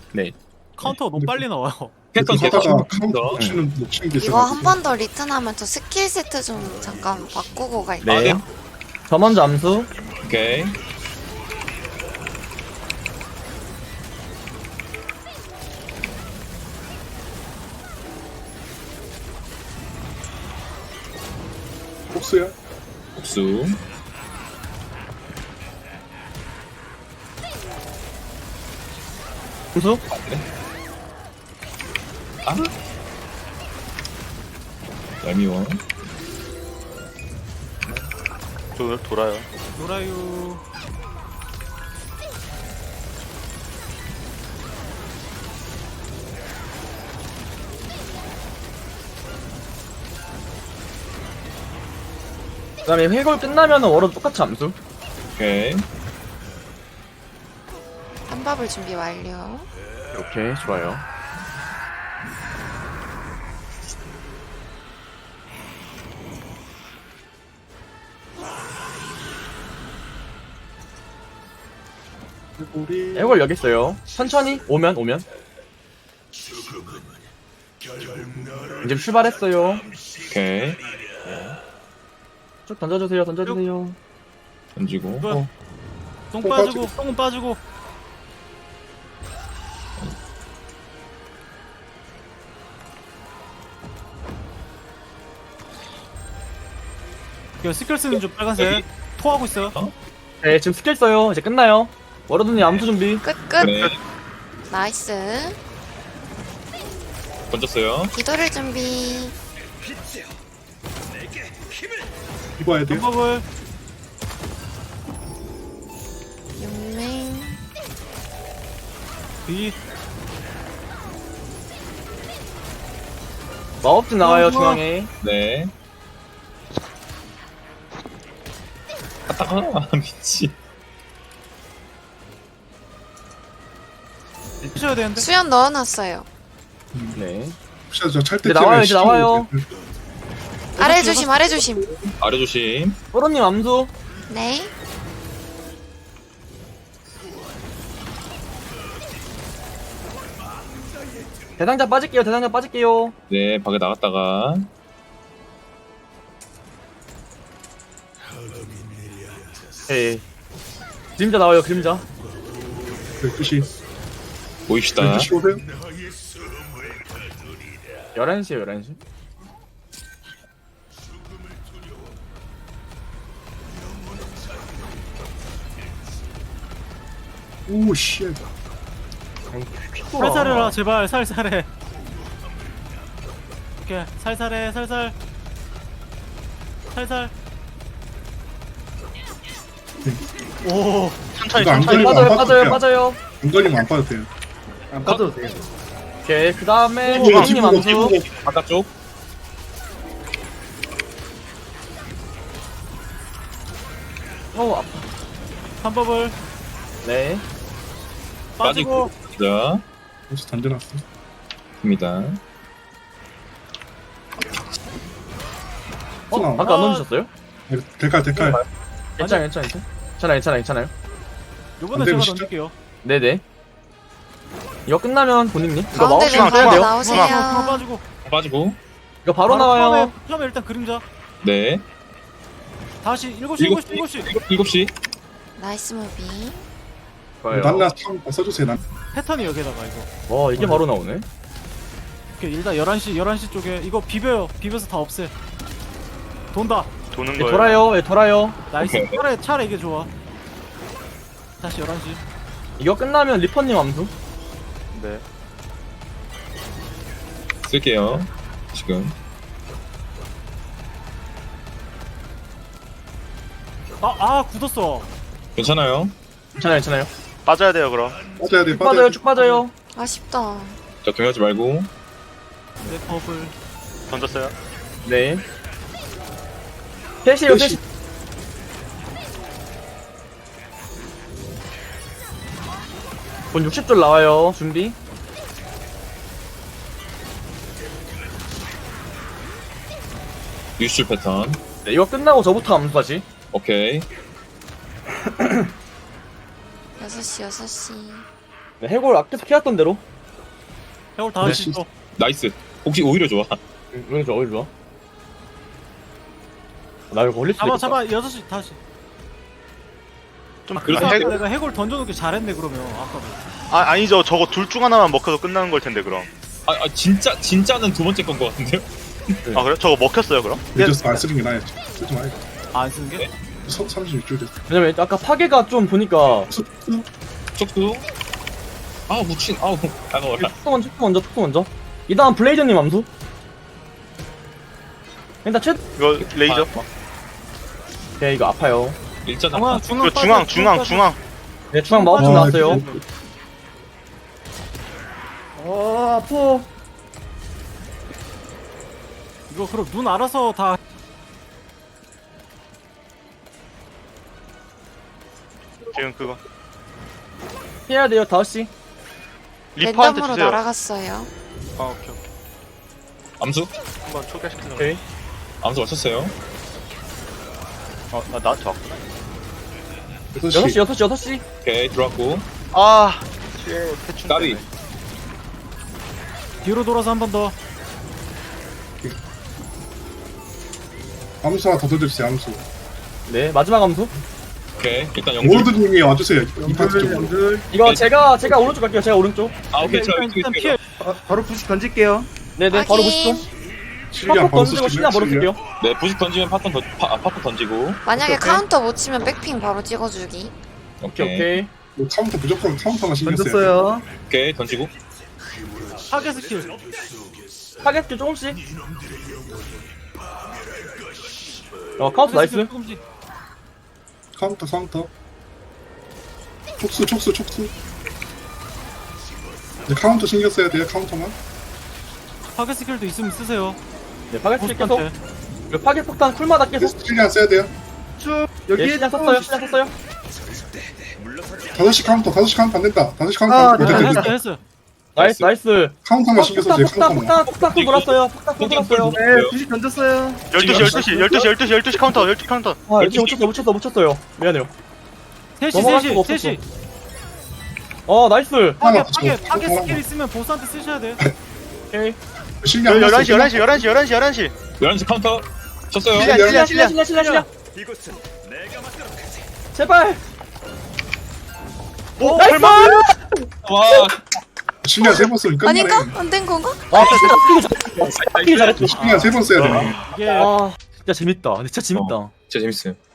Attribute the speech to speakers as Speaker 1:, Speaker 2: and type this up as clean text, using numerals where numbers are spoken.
Speaker 1: 네.
Speaker 2: 카운터가 너무 빨리 나와요.
Speaker 1: 패턴 계속
Speaker 3: 하다가
Speaker 1: 치는 거.
Speaker 3: 카운터 놓치는 게
Speaker 4: 이거 한
Speaker 3: 있어가지고.
Speaker 4: 번 더 리턴하면 저 스킬 세트 좀 잠깐 바꾸고 갈게요.
Speaker 1: 네.
Speaker 5: 저 먼저 암수.
Speaker 1: 오케이.
Speaker 3: 복수야?
Speaker 1: 복수.
Speaker 5: 암수.
Speaker 1: 아. 얄미워.
Speaker 6: 돌아요.
Speaker 2: 노라유.
Speaker 5: 그다음에 회골 끝나면 워로 똑같이 암수.
Speaker 1: 오케이.
Speaker 4: 한밥을 준비 완료.
Speaker 5: 오케이, 좋아요.
Speaker 3: 우리
Speaker 5: 회골 여기 있어요. 천천히 오면. 이제 출발했어요.
Speaker 1: 오케이.
Speaker 5: 쭉 던져주세요.
Speaker 1: 던지고.
Speaker 2: 이거 똥
Speaker 3: 똥
Speaker 2: 빠지고 똥은 빠지고. 이거 스킬 쓰는 좀 빨간색. 토하고 있어요.
Speaker 5: 네, 지금 스킬 써요. 이제 끝나요. 워로드님 암수 준비.
Speaker 4: 끝.
Speaker 1: 네.
Speaker 4: 나이스.
Speaker 1: 던졌어요.
Speaker 4: 기도를 준비.
Speaker 3: 입어야 돼요?
Speaker 2: 방법을
Speaker 4: 용맹.
Speaker 2: 이
Speaker 5: 마법진 나와요,
Speaker 2: 좋아.
Speaker 5: 중앙에.
Speaker 1: 네. 아, 미치.
Speaker 2: 피셔야 되는데.
Speaker 4: 수연 넣어놨어요.
Speaker 5: 네.
Speaker 3: 혹시 저찰때
Speaker 5: 이제 나와요, 이제 나와요.
Speaker 4: 아래 조심, 아래 조심.
Speaker 1: 아래 조심.
Speaker 5: 워로님 암수.
Speaker 4: 네.
Speaker 5: 대상자 빠질게요.
Speaker 1: 네, 밖에 나갔다가.
Speaker 5: 예. 그림자 나와요, 그림자.
Speaker 3: 12시.
Speaker 1: 보입시다.
Speaker 3: 12시 오세요?
Speaker 5: 11시에요, 11시.
Speaker 3: 오, 씨.
Speaker 2: 살살해라 제발 살살해. 오케이 살살해 살살. 오
Speaker 3: 이거 안 걸리면 안 빠져도 돼요.
Speaker 5: 빠져요.
Speaker 3: 안 걸리면 안 빠져도 돼요.
Speaker 5: 안 빠져도 돼요. 오케이, 그 다음에
Speaker 3: 뒤보고,
Speaker 5: 주방님
Speaker 3: 뒤보고,
Speaker 5: 암수.
Speaker 3: 뒤보고.
Speaker 1: 바깥쪽.
Speaker 5: 아파.
Speaker 2: 방법을
Speaker 5: 네.
Speaker 2: 빠지고.
Speaker 1: 자,
Speaker 3: 벌써 던져놨어.
Speaker 1: 입니다.
Speaker 5: 아까 안 던지셨어요?
Speaker 3: 대칼.
Speaker 5: 괜찮아요.
Speaker 2: 요번에
Speaker 3: 안
Speaker 2: 제가
Speaker 3: 되시죠?
Speaker 2: 던질게요.
Speaker 5: 네네. 이거 끝나면 본인님. 이거
Speaker 4: 가운데
Speaker 5: 마법시간
Speaker 4: 멤버
Speaker 5: 써야 돼요.
Speaker 2: 하나
Speaker 4: 나오세요.
Speaker 2: 빠지고.
Speaker 1: 빠지고.
Speaker 5: 이거 바로 나와요.
Speaker 2: 처음에 일단 그림자.
Speaker 1: 네.
Speaker 2: 다시 7시.
Speaker 1: 7시.
Speaker 4: 나이스 무비.
Speaker 5: 좋아요.
Speaker 3: 난나 써주세요. 난.
Speaker 2: 패턴이 여기다가 이거.
Speaker 5: 와, 이게 바로 나오네.
Speaker 2: 오케이 일단 11시 쪽에 이거 비벼요. 비벼서 다 없애. 돈다.
Speaker 6: 도는
Speaker 5: 예,
Speaker 6: 거예요.
Speaker 5: 돌아요.
Speaker 2: 나이스.
Speaker 1: 오케이.
Speaker 2: 차라리 이게 좋아. 다시 11시.
Speaker 5: 이거 끝나면 리퍼님 암수.
Speaker 6: 네.
Speaker 1: 쓸게요. 지금.
Speaker 2: 굳었어.
Speaker 1: 괜찮아요.
Speaker 5: 괜찮아요.
Speaker 6: 빠져야 돼요 그럼.
Speaker 3: 빠져야 돼.
Speaker 5: 쭉 빠져요.
Speaker 4: 아쉽다.
Speaker 1: 자, 동요하지 말고.
Speaker 2: 내 버블.
Speaker 6: 던졌어요.
Speaker 5: 네. 셋이요, 셋이. 본 60줄 나와요. 준비.
Speaker 1: 뉴스 패턴.
Speaker 5: 네, 이거 끝나고 저부터 암수하지.
Speaker 1: 오케이.
Speaker 4: 6시.
Speaker 5: 네, 해골 계속 키웠던 대로.
Speaker 2: 해골 다 할 수 있어.
Speaker 1: 나이스. 혹시 오히려 좋아.
Speaker 5: 오히려 좋아, 오히려 좋아. 나 이거 걸릴 수도
Speaker 2: 잡아
Speaker 5: 있겠다.
Speaker 2: 6시 다시.
Speaker 6: 좀
Speaker 1: 그래서
Speaker 2: 아까
Speaker 6: 해골
Speaker 2: 내가 해골 던져놓기 잘했네 그러면 아까도.
Speaker 6: 아니죠. 저거 둘 중 하나만 먹혀서 끝나는 걸 텐데 그럼.
Speaker 1: 진짜는 두 번째 건 것 같은데요?
Speaker 6: 아 그래? 저거 먹혔어요 그럼?
Speaker 3: 늦었어. 안 쓰는 게 나아요. 쓰지 마요.
Speaker 2: 안 쓰는 게?
Speaker 3: 36줄 됐어.
Speaker 5: 왜냐면 아까 파괴가 좀 보니까
Speaker 1: 촉수. 아 묻힌. 아우 따가워라.
Speaker 5: 촉수 먼저. 이 다음 블레이저님 암수. 일단
Speaker 6: 이거 레이저.
Speaker 5: 오케이, 이거 아파요.
Speaker 1: 일전
Speaker 2: 중앙
Speaker 6: 이거
Speaker 2: 중앙
Speaker 6: 중앙.
Speaker 5: 네, 중앙 마법 좀
Speaker 3: 아,
Speaker 5: 나왔어요.
Speaker 3: 그-
Speaker 5: 아파.
Speaker 2: 이거 그럼 눈 알아서 다.
Speaker 6: 지금 그거
Speaker 5: 해야 돼요, 5시.
Speaker 6: 리퍼한테
Speaker 4: 랜덤으로
Speaker 6: 주세요.
Speaker 4: 날아갔어요.
Speaker 6: 아 오케이.
Speaker 1: 암수?
Speaker 6: 한번 초기화시키려고.
Speaker 5: 오케이.
Speaker 1: 암수 맞췄어요.
Speaker 6: 나한테 왔구나.
Speaker 3: 6시.
Speaker 5: 6시.
Speaker 1: 오케이 들어왔고.
Speaker 6: 아. 대충.
Speaker 1: 까비.
Speaker 2: 뒤로 돌아서 한 번 더.
Speaker 3: 암수 하나 더 던져주세요. 암수.
Speaker 5: 네, 마지막 암수.
Speaker 1: 오케이 일단 영줄.
Speaker 3: 워드님이 와주세요. 이 파트 쪽으로.
Speaker 5: 이거
Speaker 1: 네.
Speaker 5: 제가 오른쪽 갈게요. 제가 오른쪽.
Speaker 1: 아 오케이 저
Speaker 2: 일단 피해.
Speaker 7: 바로 부식 던질게요.
Speaker 5: 네네, 바로
Speaker 4: 확인.
Speaker 5: 보시죠.
Speaker 3: 실리안
Speaker 5: 파폭
Speaker 3: 바로
Speaker 5: 던지고 신나
Speaker 3: 쓰시면
Speaker 5: 바로 쓸게요.
Speaker 1: 네 부식 던지면 파트 던지고.
Speaker 4: 만약에
Speaker 3: 오케이.
Speaker 4: 카운터 못 치면 백핑 바로 찍어주기.
Speaker 1: 오케이
Speaker 5: 오케이.
Speaker 3: 카운터 무조건 카운터만 신경 써요.
Speaker 7: 던졌어요.
Speaker 1: 오케이 던지고.
Speaker 2: 타겟 스킬.
Speaker 5: 타겟 조금씩. 카운트 나이스.
Speaker 2: 조금씩.
Speaker 3: 카운터. 촉수. 이제 카운터 신경 써야 돼요. 카운터만.
Speaker 2: 타겟 스킬도 있으면 쓰세요.
Speaker 5: 네, 파겟 계속.
Speaker 2: 보스한테.
Speaker 5: 그리고 파겟 폭탄 쿨마다 계속.
Speaker 3: 실리안 써야 돼요.
Speaker 7: 쭉
Speaker 5: 예,
Speaker 7: 여기
Speaker 5: 시작 썼어요.
Speaker 3: 5시 카운터 안 된다. 5시 카운터
Speaker 7: 아,
Speaker 3: 안 된다.
Speaker 7: 네.
Speaker 3: 됐다.
Speaker 2: 했어.
Speaker 5: 나이스.
Speaker 3: 카운터만 신경 써주세요. 카운터만.
Speaker 5: 폭탄 돌았어요. 폭탄 돌았어요.
Speaker 7: 네 부식 던졌어요.
Speaker 6: 12시 카운터 12시 카운터.
Speaker 5: 아, 이거 못 쳤어요. 미안해요.
Speaker 2: 3시.
Speaker 5: 나이스.
Speaker 3: 하나
Speaker 2: 타겟
Speaker 3: 더 쳐.
Speaker 2: 스킬 있으면 보스한테 쓰셔야 돼.
Speaker 5: 오케이.
Speaker 3: 실리안
Speaker 6: 11시
Speaker 1: 11시 카운터 쳤어요.
Speaker 5: 실리안. 제발.
Speaker 6: 오
Speaker 5: 나이스.
Speaker 1: 와
Speaker 3: 실리안 3번 쓰면 끝나네.
Speaker 4: 아닌가? 안 된 건가?
Speaker 5: 뛰기 잘했죠.
Speaker 3: 실리안 3번 써야 되네.
Speaker 2: 이게
Speaker 5: 아, 진짜 재밌다. 근데 진짜 재밌다.
Speaker 1: 진짜 재밌어요.